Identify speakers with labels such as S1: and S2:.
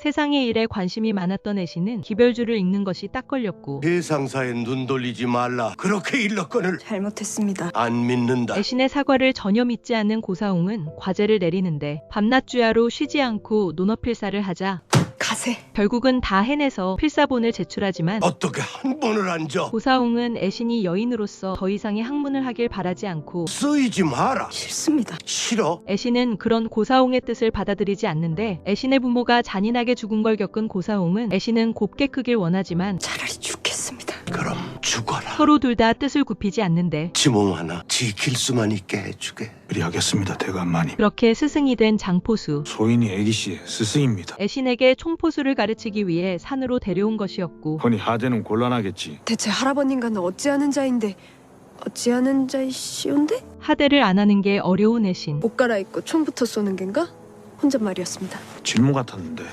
S1: 세상의 일에 관심이 많았던 애신은 기별주를 읽는 것이 딱 걸렸고
S2: 세상사에 눈 돌리지 말라. 그렇게 일렀거늘
S3: 잘못했습니다.
S2: 안 믿는다.
S1: 애신의 사과를 전혀 믿지 않는 고사홍은 과제를 내리는데 밤낮 주야로 쉬지 않고 논어필사를 하자
S3: 가세.
S1: 결국은 다 해내서 필사본을 제출하지만
S2: 어떻게 한 번을 앉아?
S1: 고사홍은 애신이 여인으로서 더 이상의 학문을 하길 바라지 않고
S2: 쓰이지 마라.
S3: 싫습니다.
S2: 싫어?
S1: 애신은 그런 고사홍의 뜻을 받아들이지 않는데 애신의 부모가 잔인하게 죽은 걸 겪은 고사홍은 애신은 곱게 크길 원하지만
S3: 차라리 죽겠습니다.
S2: 그럼 죽어라.
S1: 서로 둘 다 뜻을 굽히지 않는데
S2: 지 몸 하나 지킬 수만 있게 해주게.
S4: 그리하겠습니다, 대감마님.
S1: 그렇게 스승이 된 장포수.
S4: 소인이 애기씨의 스승입니다.
S1: 애신에게 총포수를 가르치기 위해 산으로 데려온 것이었고
S4: 허니 하대는 곤란하겠지.
S3: 대체 할아버님과는 어찌하는 자인데 어찌하는 자이시온데?
S1: 하대를 안 하는 게 어려운 애신.
S3: 옷 갈아입고 총부터 쏘는 겐가? 혼잣말이었습니다.
S4: 질문 같았는데.